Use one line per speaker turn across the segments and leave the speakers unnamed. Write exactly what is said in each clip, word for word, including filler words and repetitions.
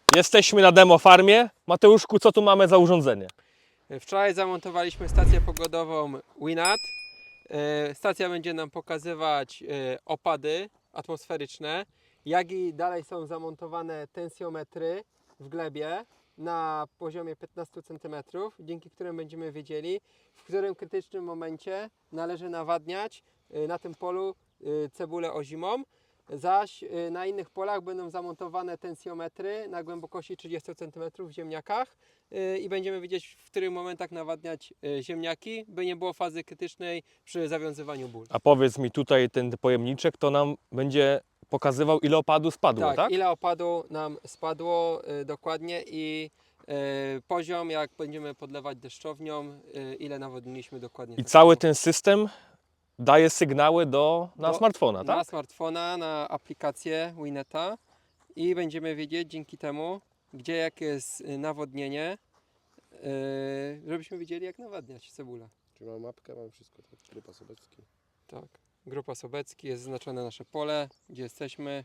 Jesteśmy na demo farmie. Mateuszku, co tu mamy za urządzenie?
Wczoraj zamontowaliśmy stację pogodową Winat. Stacja będzie nam pokazywać opady atmosferyczne, jak i dalej są zamontowane tensjometry w glebie na poziomie piętnaście centymetrów, dzięki którym będziemy wiedzieli, w którym krytycznym momencie należy nawadniać na tym polu cebulę ozimą. Zaś na innych polach będą zamontowane tensjometry na głębokości trzydzieści centymetrów w ziemniakach i będziemy wiedzieć, w których momentach nawadniać ziemniaki, by nie było fazy krytycznej przy zawiązywaniu ból.
A powiedz mi, tutaj ten pojemniczek to nam będzie pokazywał, ile opadu spadło, tak?
Tak, ile opadu nam spadło y, dokładnie i y, poziom, jak będziemy podlewać deszczownią, y, ile nawodniliśmy dokładnie.
I cały ten system daje sygnały do, na
Do-
smartfona,
Na
tak?
smartfona, na aplikację Wineta i będziemy wiedzieć dzięki temu, gdzie jakie jest y, nawodnienie, y, żebyśmy wiedzieli, jak nawadniać cebulę.
Czyli mam mapkę, mam wszystko, tak? Grupa Sobecki.
Tak. Grupa Sobecki, jest zaznaczone nasze pole, gdzie jesteśmy.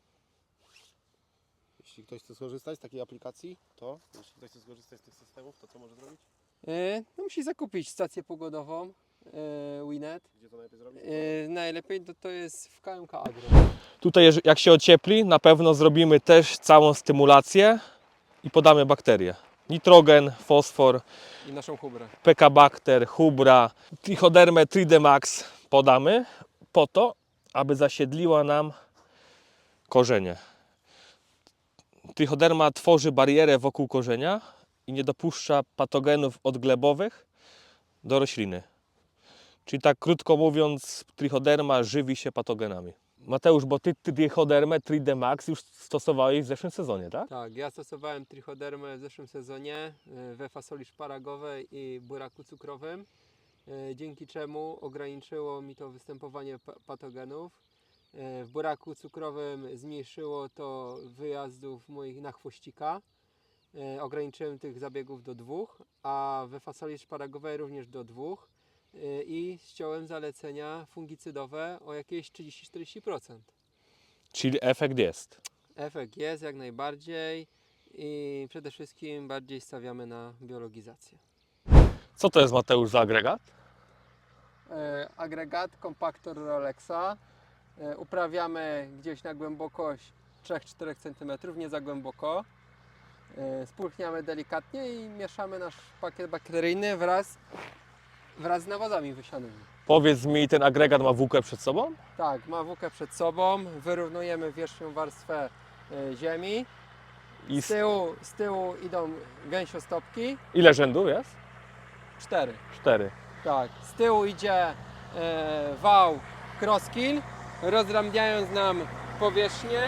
Jeśli ktoś chce skorzystać z takiej aplikacji, to jeśli ktoś chce skorzystać z tych systemów, to co może zrobić?
Y, no, musi zakupić stację pogodową y, Winet.
Gdzie to najlepiej zrobić?
Y, najlepiej to, to jest w K M K Agro.
Tutaj jeż- jak się ociepli, na pewno zrobimy też całą stymulację i podamy bakterie. Nitrogen, fosfor,
I naszą hubrę.
Pekabakter, Hubra, Trichodermę, Tridemax podamy po to, aby zasiedliła nam korzenie. Trichoderma tworzy barierę wokół korzenia i nie dopuszcza patogenów odglebowych do rośliny. Czyli tak krótko mówiąc, trichoderma żywi się patogenami. Mateusz, bo ty trichodermę Tridemax już stosowałeś w zeszłym sezonie, tak?
Tak, ja stosowałem trichodermę w zeszłym sezonie y, we fasoli szparagowej i buraku cukrowym, y, dzięki czemu ograniczyło mi to występowanie pa- patogenów. Y, W buraku cukrowym zmniejszyło to wyjazdów moich na chwościka. Y, Ograniczyłem tych zabiegów do dwóch, a we fasoli szparagowej również do dwóch. Y, I ściąłem zalecenia fungicydowe o jakieś trzydzieści do czterdziestu procent.
Czyli efekt jest.
Efekt jest jak najbardziej i przede wszystkim bardziej stawiamy na biologizację.
Co to jest, Mateusz, za agregat?
E, agregat, kompaktor Rolexa. E, uprawiamy gdzieś na głębokość trzy do czterech centymetrów, nie za głęboko. E, spulchniamy delikatnie i mieszamy nasz pakiet bakteryjny wraz, wraz z nawozami wysianymi.
Powiedz mi, ten agregat ma włókę przed sobą?
Tak, ma włókę przed sobą, wyrównujemy wierzchnią warstwę e, ziemi.
I
Z
z...
tyłu, z tyłu idą gęsiostopki,
ile rzędów jest?
cztery.
Cztery.
Tak, z tyłu idzie e, wał crosskill, rozramiając nam powierzchnię.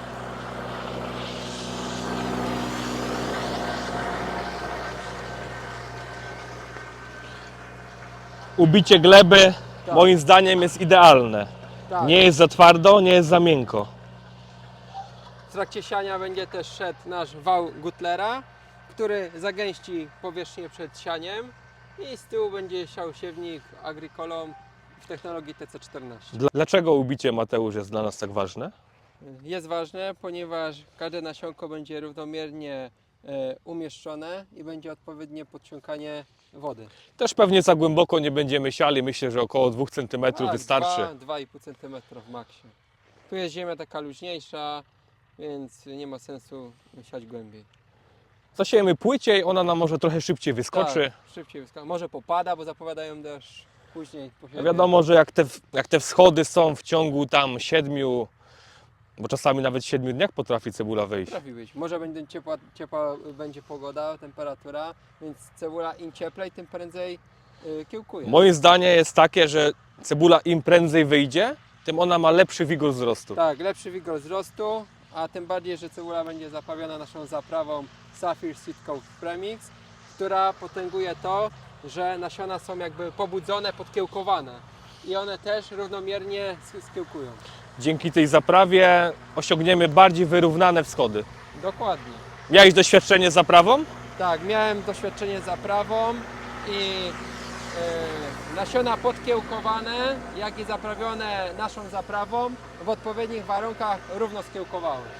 Ubicie gleby
Tak.
moim zdaniem jest idealne.
Tak.
Nie jest za twardo, nie jest za miękko.
W trakcie siania będzie też szedł nasz wał Gutlera, który zagęści powierzchnię przed sianiem i z tyłu będzie siał siewnik Agricolą w technologii T C czternaście.
Dla- Dlaczego ubicie, Mateusz, jest dla nas tak ważne?
Jest ważne, ponieważ każde nasionko będzie równomiernie e, umieszczone i będzie odpowiednie podciąganie wody.
Też pewnie za głęboko nie będziemy siali, myślę, że około dwóch centymetrów
Tak,
wystarczy.
dwa do dwóch i pół centymetra w maksie. Tu jest ziemia taka luźniejsza, więc nie ma sensu siać głębiej.
Zasiejemy płyciej, ona nam może trochę szybciej wyskoczy.
Tak, szybciej wyskoczy. Może popada, bo zapowiadają deszcz później. Po
A
siebie.
wiadomo, że jak te, jak te wschody są w ciągu tam siedmiu, bo czasami nawet w siedmiu dniach potrafi cebula wyjść.
Potrafi być. Może będzie ciepła, ciepła będzie pogoda, temperatura, więc cebula im cieplej, tym prędzej y, kiełkuje.
Moje zdanie jest takie, że cebula im prędzej wyjdzie, tym ona ma lepszy wigor wzrostu.
Tak, lepszy wigor wzrostu, a tym bardziej, że cebula będzie zaprawiona naszą zaprawą Sapphire Seed Coat Premix, która potęguje to, że nasiona są jakby pobudzone, podkiełkowane i one też równomiernie sk- skiełkują.
Dzięki tej zaprawie osiągniemy bardziej wyrównane wschody.
Dokładnie.
Miałeś doświadczenie z zaprawą?
Tak, miałem doświadczenie z zaprawą i e, nasiona podkiełkowane, jak i zaprawione naszą zaprawą w odpowiednich warunkach równo skiełkowały.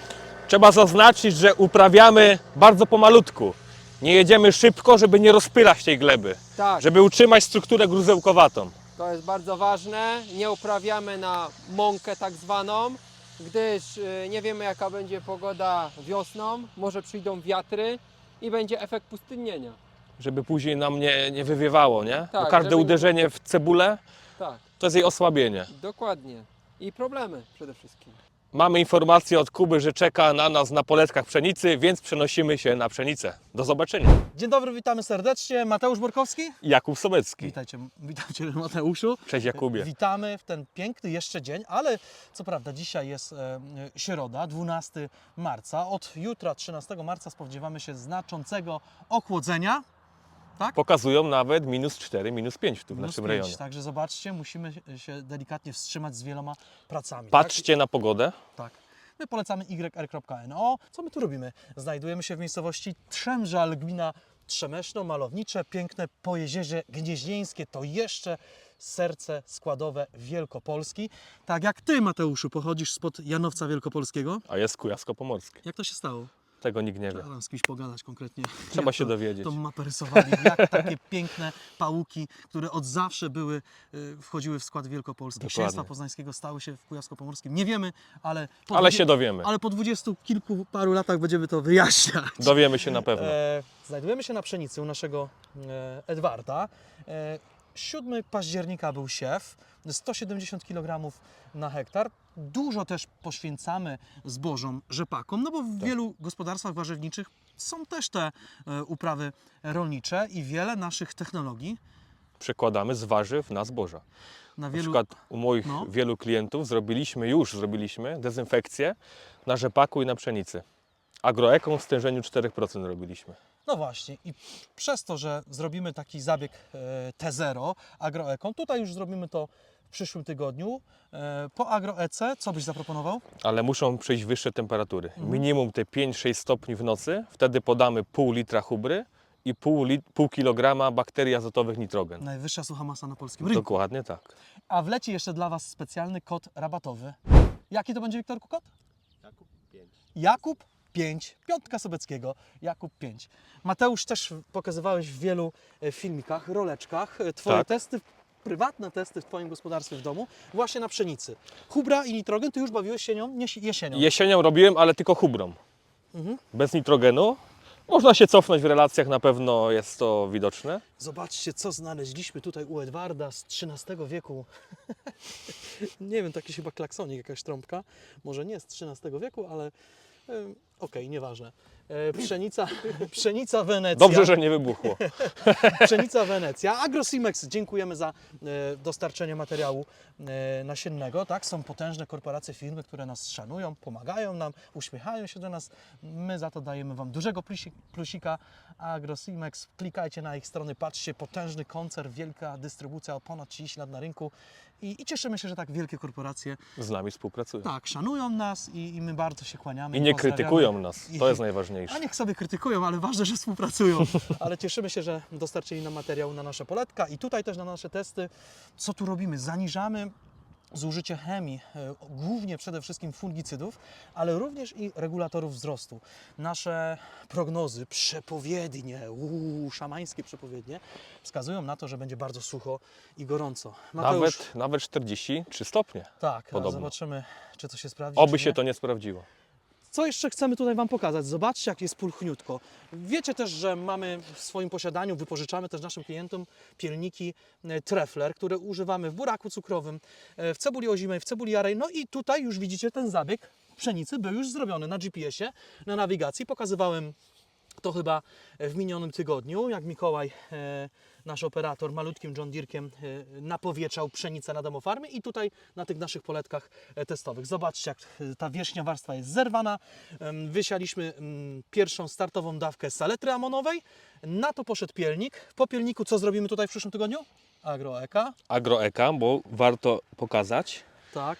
Trzeba zaznaczyć, że uprawiamy bardzo pomalutku. Nie jedziemy szybko, żeby nie rozpylać tej gleby.
Tak,
Żeby utrzymać strukturę gruzełkowatą.
to jest bardzo ważne. Nie uprawiamy na mąkę tak zwaną, gdyż y, nie wiemy jaka będzie pogoda wiosną, może przyjdą wiatry i będzie efekt pustynnienia.
Żeby później nam nie, nie wywiewało, nie? Bo
Tak,
każde
żeby nie-
uderzenie w cebulę
Tak,
to jest jej osłabienie.
dokładnie. I problemy przede wszystkim.
Mamy informację od Kuby, że czeka na nas na poletkach pszenicy, więc przenosimy się na pszenicę. Do zobaczenia.
Dzień dobry, witamy serdecznie. Mateusz Borkowski.
Jakub Sobecki.
Witajcie, witajcie Mateuszu.
Cześć Jakubie.
Witamy w ten piękny jeszcze dzień, ale co prawda dzisiaj jest e, środa, dwunastego marca. Od jutra, trzynastego marca spodziewamy się znaczącego ochłodzenia.
Pokazują nawet minus cztery, minus pięć tu w
Minus
naszym
pięć,
rejonie.
Także zobaczcie, musimy się delikatnie wstrzymać z wieloma pracami.
Patrzcie na pogodę.
Tak. tak. My polecamy y r kropka n o. Co my tu robimy? Znajdujemy się w miejscowości Trzemżal, gmina Trzemeszno, malownicze, piękne Pojezierze Gnieźnieńskie. To jeszcze serce składowe Wielkopolski. Tak jak Ty, Mateuszu, pochodzisz spod Janowca Wielkopolskiego.
A jest Kujawsko-Pomorskie.
Jak to się stało?
Tego nikt nie wie.
Trzeba z kimś pogadać konkretnie.
Trzeba
jak
się
to,
dowiedzieć.
tą mapę rysowali, jak takie piękne pałuki, które od zawsze były, y, wchodziły w skład Wielkopolski.
Dokładnie.
Księstwa Poznańskiego stały się w Kujawsko-Pomorskim. Nie wiemy, ale po,
Ale
dwudzie-
się dowiemy.
ale po dwudziestu kilku paru latach będziemy to wyjaśniać.
Dowiemy się na pewno.
E, znajdujemy się na pszenicy u naszego e, Edwarda. E, siódmego października był siew, sto siedemdziesiąt kilogramów na hektar. Dużo też poświęcamy zbożom, rzepakom, no bo w
Tak.
wielu gospodarstwach warzywniczych są też te e, uprawy rolnicze i wiele naszych technologii
Przekładamy z warzyw na zboża.
na
Na
wielu...
przykład u moich
No.
wielu klientów zrobiliśmy, już zrobiliśmy dezynfekcję na rzepaku i na pszenicy. Agroeką w stężeniu cztery procent robiliśmy.
No właśnie i przez to, że zrobimy taki zabieg e, T zero agroeką, tutaj już zrobimy to w przyszłym tygodniu. E, po agroece, co byś zaproponował?
Ale muszą przyjść wyższe temperatury.
Mhm.
Minimum te pięć sześć stopni w nocy. Wtedy podamy pół litra hubry i pół, lit, pół kilograma bakterii azotowych nitrogen.
Najwyższa sucha masa na polskim rynku.
Dokładnie tak.
A wleci jeszcze dla Was specjalny kod rabatowy. Jaki to będzie, Wiktorku, kod?
Jakub pięć.
Jakub pięć. Piątka Sobeckiego. Jakub pięć. Mateusz, też pokazywałeś w wielu e, filmikach, roleczkach e, Twoje
Tak.
testy, prywatne testy w Twoim gospodarstwie w domu, właśnie na pszenicy. Hubra i nitrogen, Ty już bawiłeś się nią nie, jesienią.
Jesienią robiłem, ale tylko hubrą.
Mhm.
Bez nitrogenu. Można się cofnąć w relacjach, na pewno jest to widoczne.
Zobaczcie, co znaleźliśmy tutaj u Edwarda z trzynastego wieku. Nie wiem, taki chyba klaksonik, jakaś trąbka. Może nie z trzynastego wieku, ale e, okej, nieważne. E, pszenica, pszenica Wenecja.
Dobrze, że nie wybuchło.
Pszenica Wenecja. AgroSimex, dziękujemy za e, dostarczenie materiału e, nasiennego. Tak? Są potężne korporacje, firmy, które nas szanują, pomagają nam, uśmiechają się do nas. My za to dajemy Wam dużego plusi, plusika. AgroSimex, klikajcie na ich strony, patrzcie, potężny koncern, wielka dystrybucja, ponad trzydzieści lat na rynku. I, I cieszymy się, że tak wielkie korporacje
Z nami współpracują.
tak szanują nas i, i my bardzo się kłaniamy.
I nie
pozdrawiamy.
krytykują nas.
I-
To jest najważniejsze.
A niech sobie krytykują, ale ważne, że współpracują. Ale cieszymy się, że dostarczyli nam materiał na nasze poletka i tutaj też na nasze testy. Co tu robimy? Zaniżamy zużycie chemii, e, głównie przede wszystkim fungicydów, ale również i regulatorów wzrostu. Nasze prognozy, przepowiednie, uuu, szamańskie przepowiednie, wskazują na to, że będzie bardzo sucho i gorąco. Mateusz,
Nawet, nawet czterdzieści trzy stopnie.
tak, ale
podobno.
zobaczymy, czy to się sprawdzi.
Oby
czy
się
nie.
to nie sprawdziło.
Co jeszcze chcemy tutaj Wam pokazać? Zobaczcie, jak jest pulchniutko. Wiecie też, że mamy w swoim posiadaniu, wypożyczamy też naszym klientom pilniki e, Trefler, które używamy w buraku cukrowym, e, w cebuli ozimej, w cebuli jarej. No i tutaj już widzicie ten zabieg pszenicy był już zrobiony na G P S ie, na nawigacji. Pokazywałem to chyba w minionym tygodniu, jak Mikołaj, e, nasz operator, malutkim John Deere'kiem e, napowietrzał pszenicę na demofarmy i tutaj na tych naszych poletkach e, testowych. Zobaczcie, jak e, ta wierzchnia warstwa jest zerwana. Em, Wysialiśmy em, pierwszą startową dawkę saletry amonowej. Na to poszedł pielnik. Po pielniku co zrobimy tutaj w przyszłym tygodniu? Agroeka.
Agroeka, bo warto pokazać,
Tak.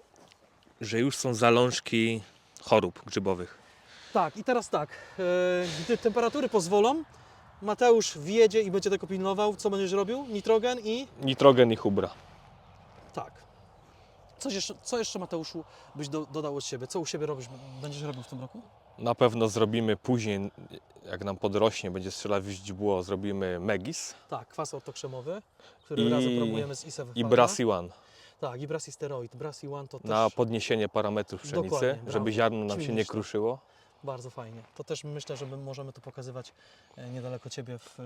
że już są zalążki chorób grzybowych.
Tak, i teraz tak, e, gdy temperatury pozwolą, Mateusz wjedzie i będzie tego pilnował. Co będziesz robił? Nitrogen i...
Nitrogen i hubra.
Tak. Coś jeszcze, co jeszcze, Mateuszu, byś do, dodał od siebie? Co u siebie robisz, będziesz robił w tym roku?
Na pewno zrobimy później, jak nam podrośnie, będzie strzelać w źdźbło, zrobimy Megis
Tak, kwas ortokrzemowy, który
I-
razem promujemy z ISEW.
i Brassy One
Tak, i Brassy Steroid. Brassy One to też
na podniesienie parametrów pszenicy,
Dokładnie, brawo.
żeby ziarno nam się nie
Ćwinisz to.
kruszyło.
bardzo fajnie. To też myślę, że my możemy to pokazywać e, niedaleko Ciebie w, e,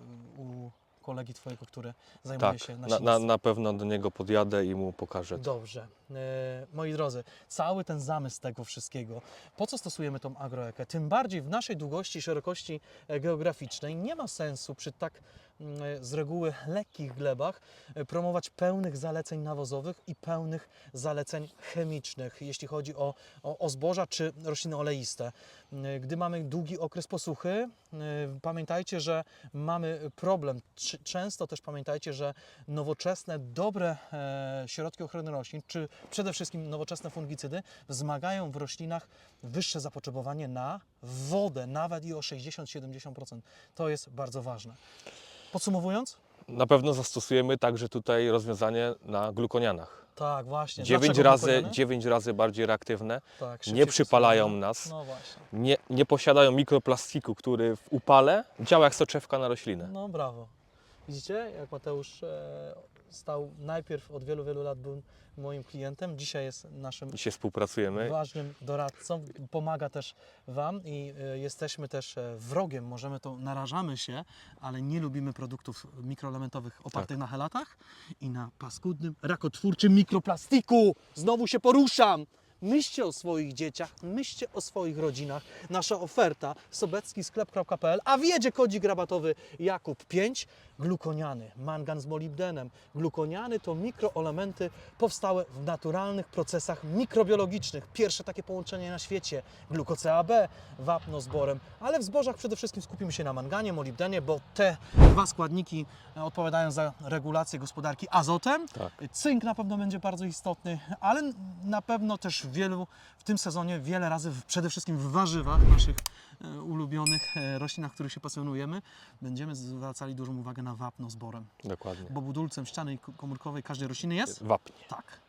u kolegi Twojego, który zajmuje
Tak,
się
na,
nasilnictwem.
na, na pewno do niego podjadę i mu pokażę.
Dobrze. E, moi drodzy, cały ten zamysł tego wszystkiego, po co stosujemy tą agroekę? Tym bardziej w naszej długości i szerokości e, geograficznej nie ma sensu przy tak mm, e, z reguły lekkich glebach e, promować pełnych zaleceń nawozowych i pełnych zaleceń chemicznych, jeśli chodzi o, o, o zboża czy rośliny oleiste. E, Gdy mamy długi okres posuchy, e, pamiętajcie, że mamy problem. Trz- Często też pamiętajcie, że nowoczesne, dobre e, środki ochrony roślin, czy przede wszystkim nowoczesne fungicydy, wzmagają w roślinach wyższe zapotrzebowanie na wodę, nawet i o sześćdziesiąt do siedemdziesięciu procent. To jest bardzo ważne. Podsumowując?
Na pewno zastosujemy także tutaj rozwiązanie na glukonianach.
Tak, właśnie.
dziewięć
Dlaczego
razy,
glukoniany?
dziewięć razy bardziej reaktywne,
Tak, szybciej
nie przypalają
stosują.
nas,
No właśnie.
nie, nie posiadają mikroplastiku, który w upale działa jak soczewka na roślinę.
No brawo. Widzicie, jak Mateusz e, stał najpierw od wielu, wielu lat był moim klientem, dzisiaj jest naszym
Dzisiaj współpracujemy.
ważnym doradcą, pomaga też Wam i e, jesteśmy też e, wrogiem, możemy to, narażamy się, ale nie lubimy produktów mikroelementowych opartych na helatach i na paskudnym, rakotwórczym mikroplastiku. Znowu się poruszam. Myślcie o swoich dzieciach, myślcie o swoich rodzinach. Nasza oferta sobecki sklep kropka p l, a wiedzie kodzik rabatowy Jakub pięć. Glukoniany, mangan z molibdenem. Glukoniany to mikroelementy powstałe w naturalnych procesach mikrobiologicznych. Pierwsze takie połączenie na świecie. Gluko-C A B, wapno z borem, ale w zbożach przede wszystkim skupimy się na manganie, molibdenie, bo te dwa składniki odpowiadają za regulację gospodarki azotem.
Tak.
Cynk na pewno będzie bardzo istotny, ale na pewno też w wielu, w tym sezonie wiele razy, w, przede wszystkim w warzywach, naszych e, ulubionych e, roślinach, których się pasjonujemy, będziemy zwracali dużą uwagę na wapno z borem.
Dokładnie.
Bo budulcem ściany komórkowej każdej rośliny jest?
Wapń.
Tak.